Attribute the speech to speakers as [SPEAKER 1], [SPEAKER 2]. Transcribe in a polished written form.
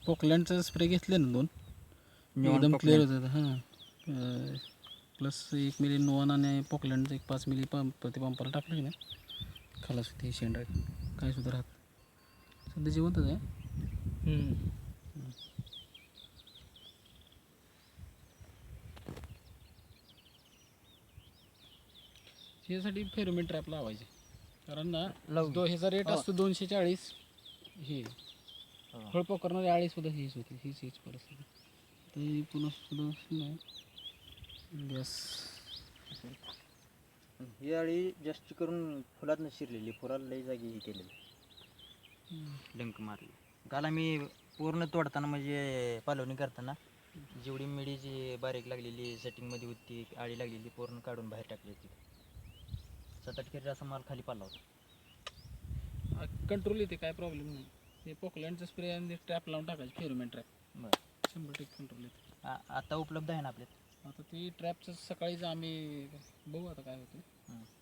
[SPEAKER 1] पोकलँडचा spray घेतले ना 2
[SPEAKER 2] neon
[SPEAKER 1] एकदम क्लिअर
[SPEAKER 2] पोकलँड.
[SPEAKER 1] होतं हां. प्लस 1 मिली नोवान आणि पोकलँडचं एक 5 मिली प्रति पंपाला टाकलं की नाही खालास होते शेंडा काय सुद्धा राहत सध्या जिवंतच आहे. ह्यासाठी फेरोमेन ट्रॅप लावायचे कारण ना ह्याचा रेट असतो 240. हे फळ पकडणारे आळी सुद्धा हीच होती हीच परिस्थिती ते पुन्हा सुद्धा नाही गॅस.
[SPEAKER 2] ही अळी जास्त करून फुलात शिरलेली, फुलाला लई जागी हे केलेली डंक मारली. काल आम्ही पूर्ण तोडताना म्हणजे पालवणी करताना जेवढी मिडीची बारीक लागलेली सेटिंगमध्ये होती आळी लागलेली पूर्ण काढून बाहेर टाकली होती. 7-8 केजी असा माल खाली पाला होता.
[SPEAKER 1] कंट्रोल येते काय प्रॉब्लेम नाही. हे पोकलँडचा स्प्रे आणि ट्रॅप लावून टाकायचे फेरोमेन ट्रॅप
[SPEAKER 2] बरं
[SPEAKER 1] 100% कंट्रोल येते.
[SPEAKER 2] आता उपलब्ध आहे ना आपल्यात?
[SPEAKER 1] आता ती ट्रॅपचं सकाळीच आम्ही बघू आता काय होतं.